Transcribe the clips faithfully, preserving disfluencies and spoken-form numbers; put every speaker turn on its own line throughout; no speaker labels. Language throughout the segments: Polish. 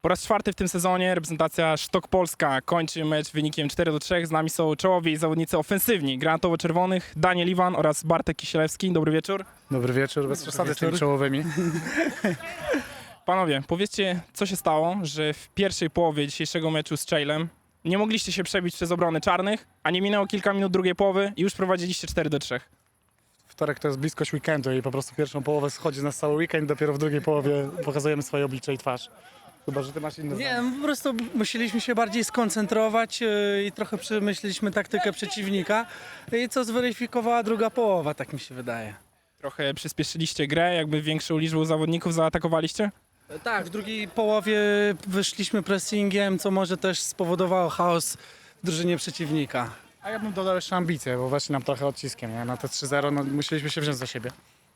Po raz czwarty w tym sezonie reprezentacja Sztok Polska kończy mecz wynikiem cztery do trzech. Z nami są czołowi zawodnicy ofensywni granatowo-czerwonych Daniel Iwan oraz Bartek Kisielewski. Dobry wieczór.
Dobry wieczór, bez przesady z tymi czołowymi.
Panowie, powiedzcie, co się stało, że w pierwszej połowie dzisiejszego meczu z Czeylem nie mogliście się przebić przez obrony czarnych, a nie minęło kilka minut drugiej połowy i już prowadziliście cztery do trzech.
Wtorek to jest bliskość weekendu i po prostu pierwszą połowę schodzi z nas cały weekend, dopiero w drugiej połowie pokazujemy swoje oblicze i twarz. Chyba, że ty masz inne zdanie.
Nie, no po prostu musieliśmy się bardziej skoncentrować yy, i trochę przemyśleliśmy taktykę przeciwnika i co zweryfikowała druga połowa, tak mi się wydaje.
Trochę przyspieszyliście grę, jakby większą liczbą zawodników zaatakowaliście?
Tak, w drugiej połowie wyszliśmy pressingiem, co może też spowodowało chaos w drużynie przeciwnika.
A ja bym dodał jeszcze ambicje, bo właśnie nam trochę odciskiem. Nie? Na te trzy zero no, musieliśmy się wziąć za siebie.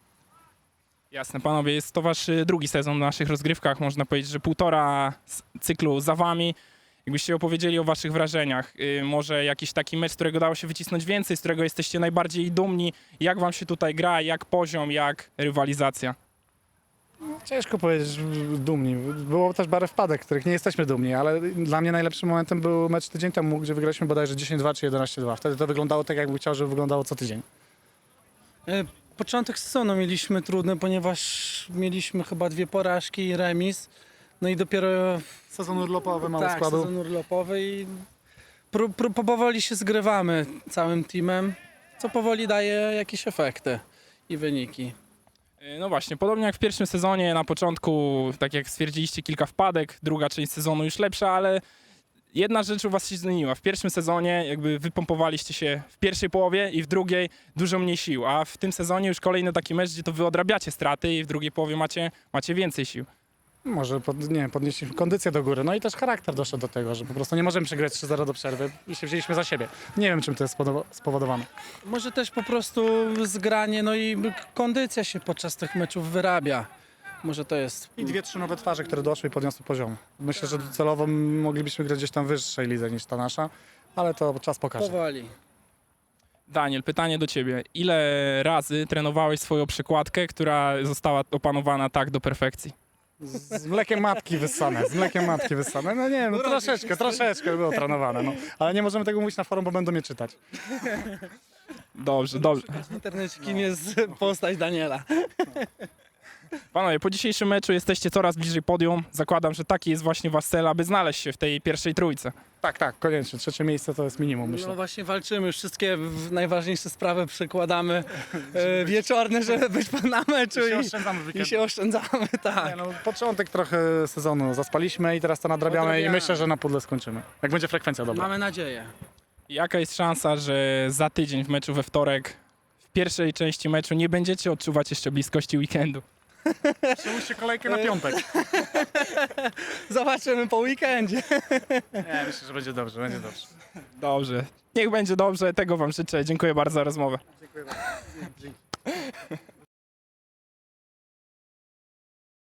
Jasne, panowie, jest to wasz y, drugi sezon w naszych rozgrywkach. Można powiedzieć, że półtora s- cyklu za wami. Jakbyście opowiedzieli o waszych wrażeniach, y, może jakiś taki mecz, z którego dało się wycisnąć więcej, z którego jesteście najbardziej dumni. Jak wam się tutaj gra, jak poziom, jak rywalizacja?
Ciężko powiedzieć dumni. Było też parę wpadek, których nie jesteśmy dumni, ale dla mnie najlepszym momentem był mecz tydzień temu, gdzie wygraliśmy bodajże dziesięć dwa czy jedenaście dwa. Wtedy to wyglądało tak, jakbym chciał, żeby wyglądało co tydzień.
Yy, Początek sezonu mieliśmy trudny, ponieważ mieliśmy chyba dwie porażki i remis. No i dopiero
Sezon urlopowy, mało
tak,
składu.
sezon urlopowy i pró, pró, powoli się zgrywamy całym teamem, co powoli daje jakieś efekty i wyniki.
Y, No właśnie, podobnie jak w pierwszym sezonie, na początku, tak jak stwierdziliście, kilka wpadek, druga część sezonu już lepsza, ale jedna rzecz u was się zmieniła. W pierwszym sezonie jakby wypompowaliście się w pierwszej połowie i w drugiej dużo mniej sił, a w tym sezonie już kolejny taki mecz, gdzie to wy odrabiacie straty i w drugiej połowie macie, macie więcej sił.
Może pod, nie, wiem, podnieśliśmy kondycję do góry. No i też charakter doszedł do tego, że po prostu nie możemy przegrać trzy zero do przerwy i się wzięliśmy za siebie. Nie wiem, czym to jest spodoba- spowodowane.
Może też po prostu zgranie, no i kondycja się podczas tych meczów wyrabia. Może to jest.
I dwie, trzy nowe twarze, które doszły i podniosły poziom. Myślę, że docelowo moglibyśmy grać gdzieś tam w wyższej lidze niż ta nasza, ale to czas pokaże.
Powoli.
Daniel, pytanie do ciebie. Ile razy trenowałeś swoją przykładkę, która została opanowana tak do perfekcji?
Z mlekiem matki wyssane, z mlekiem matki wyssane. No nie wiem, no troszeczkę, troszeczkę było trenowane, no. Ale nie możemy tego mówić na forum, bo będą mnie czytać.
Dobrze, dobrze.
W internecie kim jest postać Daniela.
Panowie, po dzisiejszym meczu jesteście coraz bliżej podium. Zakładam, że taki jest właśnie wasz cel, aby znaleźć się w tej pierwszej trójce.
Tak, tak, koniecznie. Trzecie miejsce to jest minimum,
No
myślę.
właśnie walczymy, wszystkie w- najważniejsze sprawy przekładamy e, wieczorne, żeby być na meczu
I się
i,
oszczędzamy w
i
weekend.
się oszczędzamy, tak.
Nie, no, początek trochę sezonu zaspaliśmy i teraz to nadrabiamy i
Odrabiamy.
myślę, że na pudle skończymy. Jak będzie frekwencja dobra.
Mamy nadzieję.
Jaka jest szansa, że za tydzień w meczu we wtorek, w pierwszej części meczu nie będziecie odczuwać jeszcze bliskości weekendu?
Przełóżcie kolejkę na piątek.
Zobaczymy po weekendzie.
Nie, myślę, że będzie dobrze, będzie dobrze.
Dobrze. Niech będzie dobrze, tego wam życzę. Dziękuję bardzo za rozmowę.
Dziękuję bardzo. Dzięki.